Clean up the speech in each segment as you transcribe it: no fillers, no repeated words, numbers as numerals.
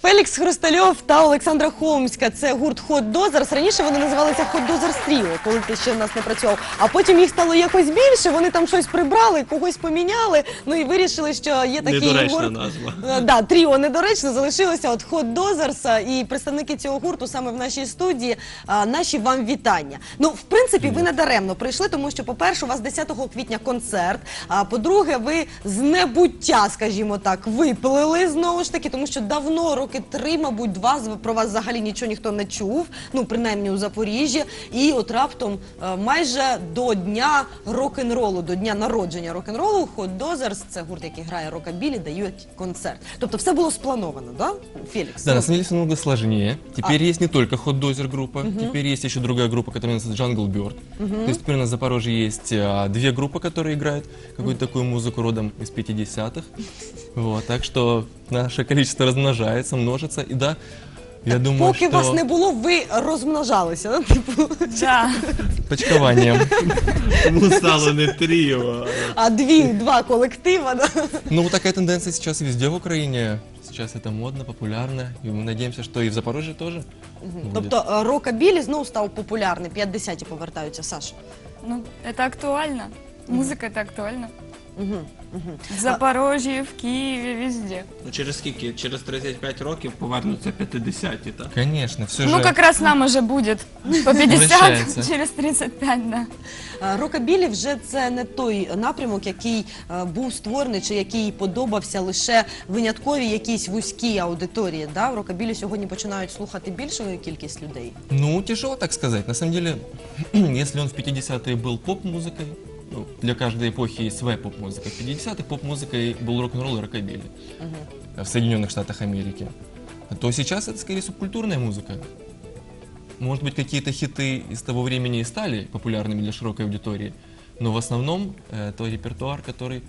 Фелікс Хрустальов та Олександра Холмська. Це гурт Hot Dozers. Раніше вони називалися Hot Dozers Trio, коли ти ще в нас не працював. А потім їх стало якось більше, вони там щось прибрали, когось поміняли. Ну і вирішили, що є такий Недоречна гурт. назва. Да, тріо недоречно, залишилося от Hot Dozers. І представники цього гурту саме в нашій студії. Наші вам вітання. Ну, в принципі, ви не даремно прийшли, тому що, по-перше, у вас 10 квітня концерт. А по-друге, ви з небуття, скажімо так, виплили знову ж таки, тому що давно, роки 3, мабуть, 2, про вас взагалі нічого ніхто не чув, ну, принаймні у Запоріжжі. І от раптом майже до дня рок-н-ролу, до дня народження рок-н-ролу, Hot Dozers, це гурт, який грає рокабілі, дають концерт. Тобто все було сплановано, да, Феликс? Да, на самом деле все намного сложнее. Теперь есть не только Hot Dozer группа, теперь есть еще другая группа, которая называется Jungle Bird. То есть теперь у нас в Запорожье есть 2 группы, которые играют какую-то такую музыку родом из 50-х. Вот, так что наше количество размножается, множится. И да, я думаю, Поки что... вас не було, ви розмножалися, да? Типу, Да. Почкованием. Тому стало не тріо. а два колектива, да? Ну, вот такая тенденция сейчас везде в Украине. Сейчас это модно, популярно. И мы надеемся, что и в Запорожье тоже будет. Тобто рокабілі знову став популярний, 50-ті повертаються, Саш. Ну, это актуально. Музыка это актуально. В Запорожье, в Киеве, везде. Ну, через скільки? Через 35 років повернуться 50-ті, так? Конечно, все Ну, же... как раз нам уже будет по 50, Возвращается. через 35, да. Рокабілі вже це не той напрямок, який був створений, чи який подобався лише винятковій якійсь вузькій аудиторії. Да? Рокабілі сьогодні починають слухати більшу кількість людей. Ну, тяжело так сказать. На самом деле, если он в 50-е был поп-музыкой, ну, для каждой эпохи есть своя поп-музыка. В 50-х поп-музыкой был рок-н-ролл и рокабилли в Соединенных Штатах Америки. То сейчас это скорее субкультурная музыка. Может быть, какие-то хиты из того времени и стали популярными для широкой аудитории, но в основном это репертуар, который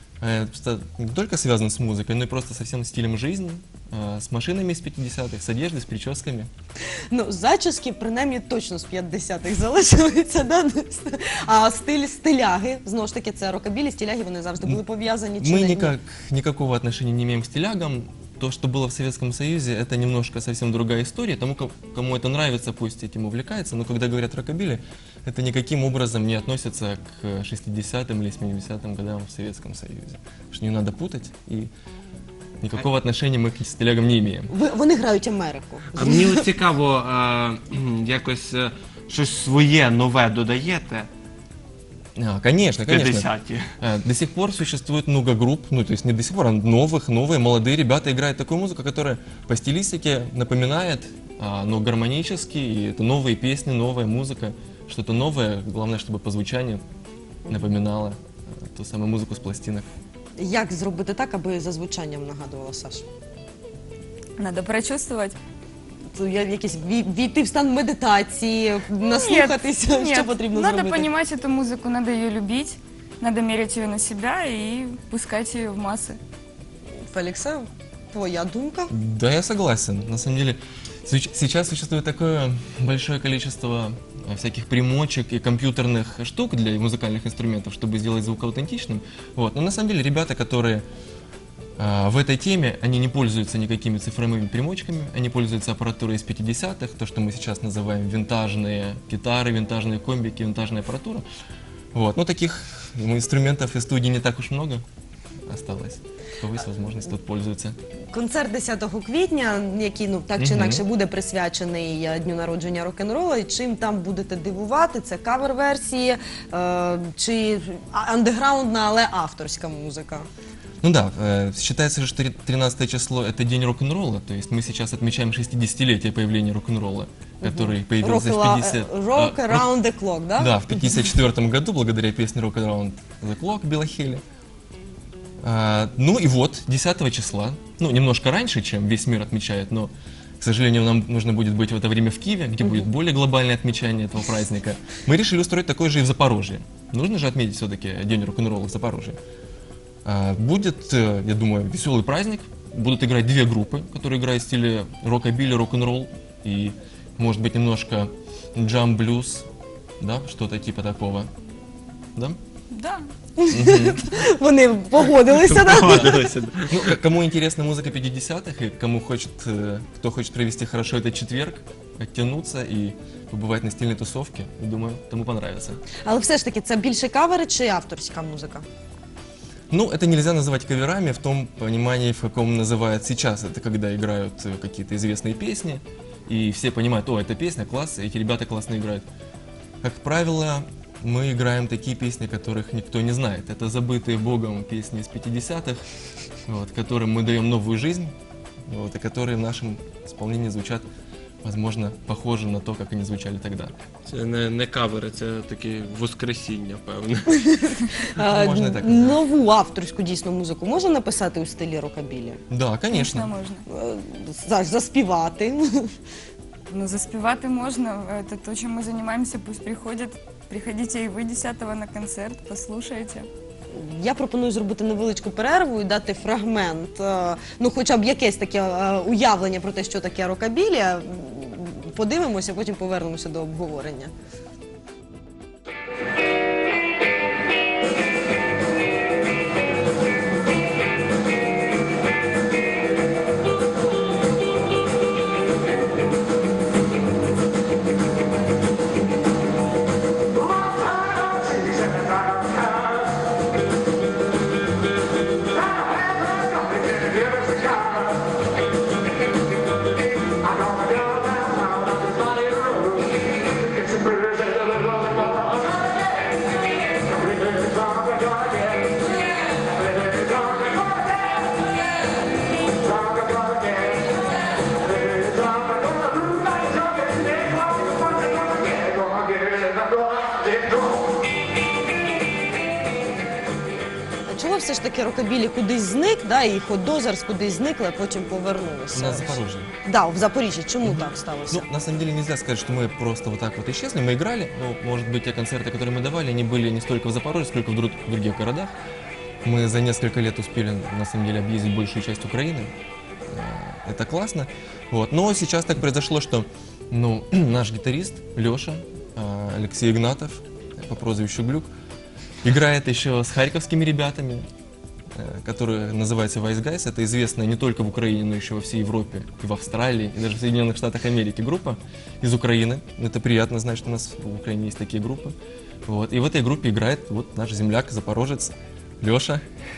не только связан с музыкой, но и просто со всем стилем жизни, с машинами из 50-х, с одеждой, с прическами. Ну, зачіски, принаймні, точно з 50-х залишилися, да? А стиляги, знову ж таки, це рокабілі, стиляги, вони завжди були пов'язані. чи Мы не? никакого отношения не имеем к стилягам. То, что было в Советском Союзе, это немножко совсем другая история. Тому, кому это нравится, пусть этим увлекается. Но когда говорят рокабилли, это никаким образом не относится к 60-м или 70-м годам в Советском Союзе. Потому что не надо путать, и никакого отношения мы к стилягам не имеем. Вони грають Америку. А мені от цікаво, якось щось своє, нове додаєте Конечно, в конечно. 50-ті? До сих пор существует много групп, ну то есть не до сих пор, а новые, молодые ребята играют такую музыку, которая по стилистике напоминает, но гармонически, и это новые песни, новая музыка, что-то новое, главное, чтобы по звучанию напоминало ту самую музыку с пластинок. Як зробити так, аби за звучанням нагадувала, Саш? Надо прочувствовать. Якийсь війти в стан медитації, наслухатися, що потрібно надо зробити? понимать эту музыку, надо ее любить, надо мерить ее на себя и пускать ее в массы. Феліксе, твоя думка? Да, я согласен. На самом деле, сейчас существует такое большое количество всяких примочек и компьютерных штук для музыкальных инструментов, чтобы сделать звук аутентичным. Вот. Но на самом деле ребята, которые в этой теме, они не пользуются никакими цифровыми примочками, они пользуются аппаратурой из 50-х, то, что мы сейчас называем винтажные гитары, винтажные комбики, винтажная аппаратура. Вот. Но таких инструментов и студий не так уж много осталось. Кто есть возможность, тут пользуются. Концерт 10 квітня, який, ну, так чи інакше буде присвячений дню народження рок-н-ролу. І чим там будете дивувати? Це кавер-версії чи андеграундна, але авторська музика? Ну да, считается же, что 13 число это день рок-н-ролла, то есть мы сейчас отмечаем 60-летие появления рок-н-ролла, который появился в 50... Rock Around the Clock, да? Да, в 54 году, благодаря песне Rock Around the Clock Билла Хилли. Ну и вот, 10 числа, ну немножко раньше, чем весь мир отмечает, но, к сожалению, нам нужно будет быть в это время в Киеве, где будет более глобальное отмечание этого праздника. Мы решили устроить такое же и в Запорожье. Нужно же отметить все-таки день рок-н-ролла в Запорожье. Будет, я думаю, веселый праздник. Будут играть 2 группы, которые играют в стиле рокобилли, рок-н-ролл и, может быть, немножко джам-блюз, да, что-то типа такого. Да? Да. Вони погодилися. Да? Погодилися. Ну, кому интересна музыка 50-х и кому хочет, кто хочет провести хорошо этот четверг, оттянуться и побывать на стильной тусовке, думаю, тому понравится. Але все ж таки, це більше кавери чи авторська музика? Ну, это нельзя называть каверами в том понимании, в каком называют сейчас. Это когда играют какие-то известные песни, и все понимают, о, эта песня класс, эти ребята классно играют. Как правило, мы играем такие песни, которых никто не знает. Это забытые Богом песни из 50-х, вот, которым мы даем новую жизнь, вот, и которые в нашем исполнении звучат, возможно, похоже на то, как они звучали тогда. Це не кавери, це такі воскресіння, певне. Можна і так назвати. Нову авторську дійсно музику можна написати у стилі рокабілі? Да, конечно. Можно. Заспівати? Ну, заспевать можно. Это то, чем мы занимаемся. Пусть приходят. Приходите и вы 10-го на концерт, послушайте. Я пропоную зробити невеличку перерву і дати фрагмент, ну хоча б якесь таке уявлення про те, що таке рокабілі. Подивимося, потім повернемося до обговорення. Чого все ж таки рокабілі кудись зник, да, і Hot кудись зникли, а потім повернулися? На Запорожье. Да, в Запоріжжі. Чому так сталося? Ну, на самом деле нельзя сказать, что мы просто вот так вот исчезли. Мы играли, но, может быть, те концерты, которые мы давали, они были не столько в Запорожье, сколько в других городах. Мы за несколько лет успели, на самом деле, объездить большую часть Украины. Это классно. Вот. Но сейчас так произошло, что ну, наш гитарист Леша, Алексей Игнатов, по прозвищу Глюк, играет еще с харьковскими ребятами, которые называются Wise Guys. Это известная не только в Украине, но еще во всей Европе, и в Австралии, и даже в Соединенных Штатах Америки группа из Украины. Это приятно знать, что у нас в Украине есть такие группы. Вот. И в этой группе играет вот наш земляк, запорожец Леша.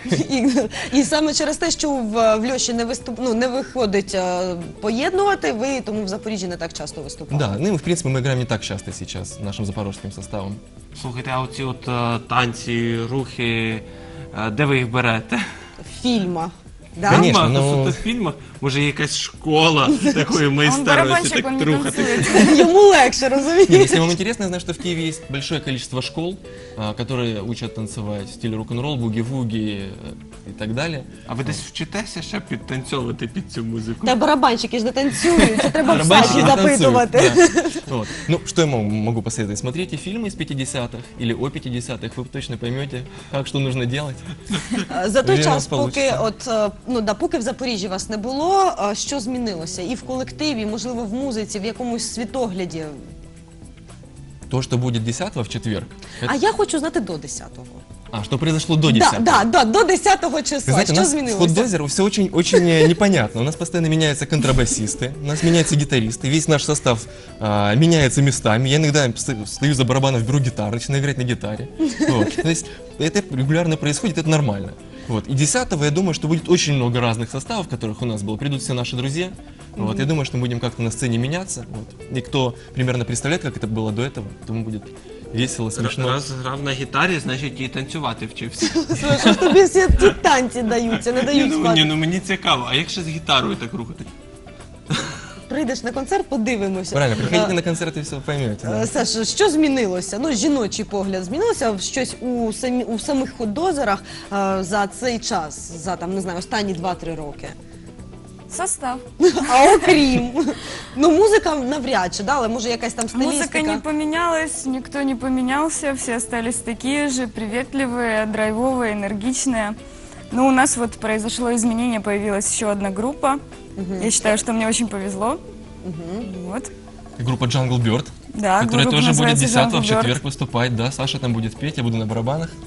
І саме через те, що в Льоші не виходить поєднувати, ви тому в Запоріжжі не так часто виступаєте. Да, ну и в принципе мы играем не так часто сейчас нашим запорожским составом. Слухайте, а оці от танці, рухи, де ви їх берете? В фільмах. Да? Конечно, В ну- фільмах, в фільмах? Може є якась школа такої Он майстерності, барабанщик, так он не трухати? танцует. Йому легше, Нет, розумієте? если вам интересно, я знаю, что в Киеве есть большое количество школ, которые учат танцевать в стиле рок-н-ролл, буги-вуги и так далее. А ви десь вчитеся ще підтанцьовувати під цю музику? Та барабанщики ж не танцюють, це треба в Барабанщики саді не танцуют, запитувати. да. Вот. Ну, что я могу посоветовать? Смотрите фильмы из 50-х или о 50-х, вы точно поймете, как что нужно делать. За той Він час, нас поки получиться. поки в Запоріжжі вас не було, що змінилося? І в колективі, можливо, в музиці, в якомусь світогляді? То, что будет 10-го в четверг. А я хочу знати до 10-го. Что произошло до 10-го. Да, до 10-го Вы числа. знаете, у Що нас с змінилося? Hot все очень непонятно. У нас постоянно меняются контрабасисты, у нас меняются гитаристы, весь наш состав меняется местами. Я иногда стою за барабаном, беру гитару, начинаю играть на гитаре. Вот. То есть это регулярно происходит, это нормально. Вот. И 10-го, я думаю, что будет очень много разных составов, которых у нас было. Придут все наши друзья. Вот. Я думаю, что мы будем как-то на сцене меняться. Вот. И кто примерно представляет, как это было до этого, тому будет весело, смешно. Раз грав на гітарі, значить і танцювати вчився. Слухай, що ж тобі всі ті танці даються, не дають спати. Мені цікаво, а як ще з гітарою так рухати? Прийдеш на концерт, подивимося. Правильно, приходите на концерты и все поймете. Да. Саш, що змінилося? Ну, жіночий погляд змінилося щось у самих ходозерах за цей час, за там, не знаю, останні 2-3 роки. Состав. А окрім, ну музика навряд чи, да, але може якась там стилістика. Музыка не поменялась, никто не поменялся, все остались такие же, приветливые, драйвовые, энергичные. Но у нас вот произошло изменение, появилась еще одна группа. Я считаю, что мне очень повезло. Вот. И группа Jungle Bird, Да, которая группа тоже будет называется 10-го в Jungle Bird. четверг выступать. Да, Саша там будет петь, я буду на барабанах.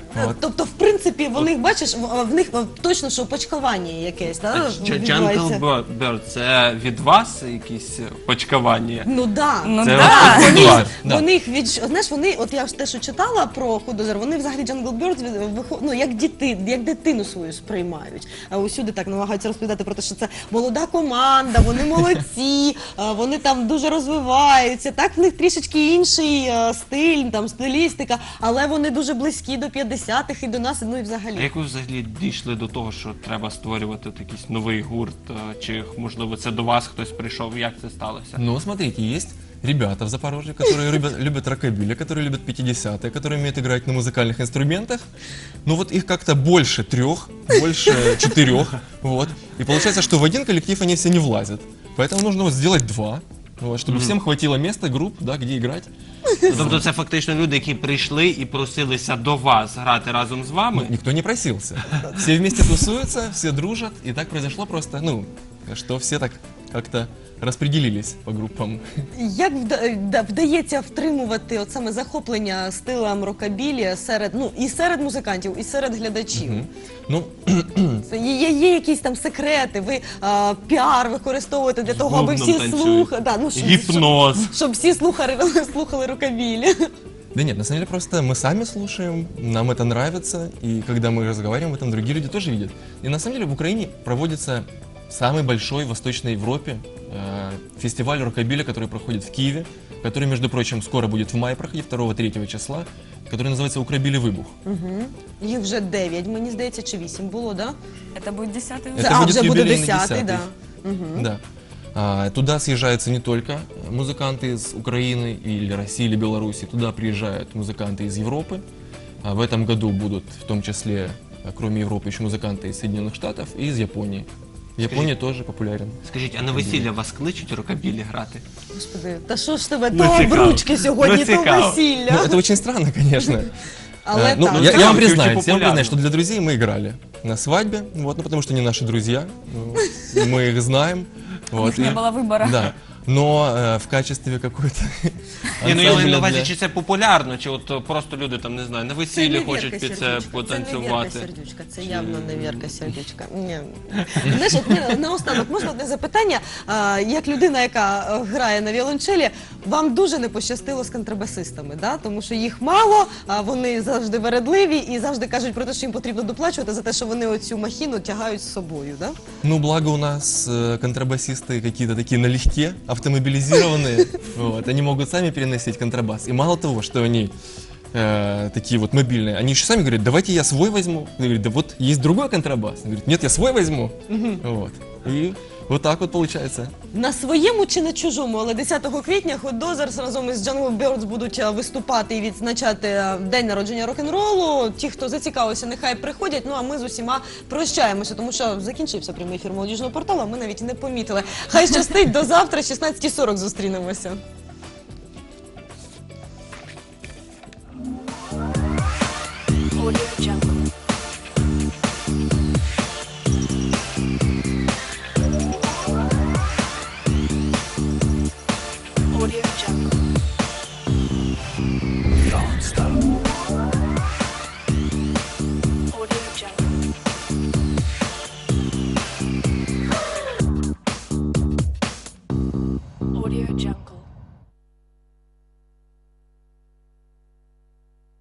Вот. Тобто, в принципі, вони, бачиш, в них точно що почкування якесь, так? Jungle Bird – це від вас якісь почкування? Ну да. Ну Це да. от Вони, від ж- вас. Да. вони їх знаєш, вони, от я ж те, що читала про Худозер, вони взагалі Jungle Birds ну, як дитину свою сприймають. А усюди так намагаються розповідати про те, що це молода команда, вони молодці, вони там дуже розвиваються. Так, в них трішечки інший стиль, там стилістика, але вони дуже близькі до 50-х і до нас, ну і А взагалі. як ви взагалі дійшли до того, що треба створювати от якийсь новий гурт? Чи, можливо, це до вас хтось прийшов? Як це сталося? Ну, смотрите, есть ребята в Запорожье, которые любят рокобили, которые любят 50-е, которые умеют играть на музыкальных инструментах. Ну вот их как-то больше 3, больше 4, вот. И получается, что в один коллектив они все не влазят. Поэтому нужно вот сделать 2, вот, чтобы всем хватило места, групп, да, где играть. Тобто це фактично люди, які прийшли і просилися до вас грати разом з вами? Никто не просился. Все вместе тусуются, все дружат, и так произошло просто, ну, что все так как-то распределились по группам. Як вдається втримувати от саме захоплення стилем рокабілі серед, ну, і серед музикантів, і серед глядачів? Ну, Це є якісь там секрети, ви піар використовуєте для того, аби всі Бубном слухали, танцюють. Гіпноз. щоб всі слухали рокабілі. да нет, на самом деле просто мы сами слушаем, нам это нравится, и когда мы разговариваем об этом, другие люди тоже видят. И на самом деле в Украине проводится самый большой в Восточной Европе фестиваль рокобиля, который проходит в Киеве, который, между прочим, скоро будет в мае проходить, 2-3 числа, который называется «Украбили выбух». Їх вже 9, мені здається, чи 8 було, да? Это будет 10-й Это А, будет вже буде юбилейный 10-й, 10-й. да. Да. Туда съезжаются не только музыканты из Украины или России или Беларуси, туда приезжают музыканты из Европы. В этом году будут в том числе, кроме Европы, еще музыканты из Соединенных Штатов и из Японии. Япония тоже популярен. Скажіть, а на весілля вас кличуть рокабілі грати? Господи, та що ж тебе, Ну, то цікаво. обручки сьогодні, Ну, то цікаво. Ну, весілля. это очень странно, конечно. Але Ну, так. я Там вам очень признаюсь, популярно. что для друзей мы играли на свадьбе, вот, ну, потому что они наши друзья, ну, мы их знаем. У Вот, них не и- было выбора. Да, но в качестве какой-то Ні, ну я маю на ансамбля увазі, для- чи це популярно, чи от просто люди там, не знаю, на весіллі хочуть під це Це не Вірка потанцювати. Сердючка, це явно не Вірка Сердючка. Ні. Знаєш, от мені наостанок можна одне запитання? Як людина, яка грає на віолончелі, вам дуже не пощастило з контрабасистами, да? Тому що їх мало, вони завжди вередливі і завжди кажуть про те, що їм потрібно доплачувати за те, що вони оцю махіну тягають з собою, да? Ну, благо у нас контрабасисты какие-то такие налегке, автомобилизированные, вот, они могут сами переносить контрабас. И мало того, что они такие вот мобильные, они еще сами говорят, давайте я свой возьму. Он говорит, да вот есть другой контрабас. Он говорит, нет, я свой возьму. Вот. И вот так вот получается. На своєму чи на чужому, але 10 квітня Hot Dozzers разом із Jungle Birds будуть виступати і відзначати день народження рок-н-ролу. Ті, хто зацікавився, нехай приходять. Ну а ми з усіма прощаємося, тому що закінчився прямий ефір молодіжного порталу, а ми навіть і не помітили. Хай щастить, до завтра, 16:40 зустрінемося. Audio Jungle.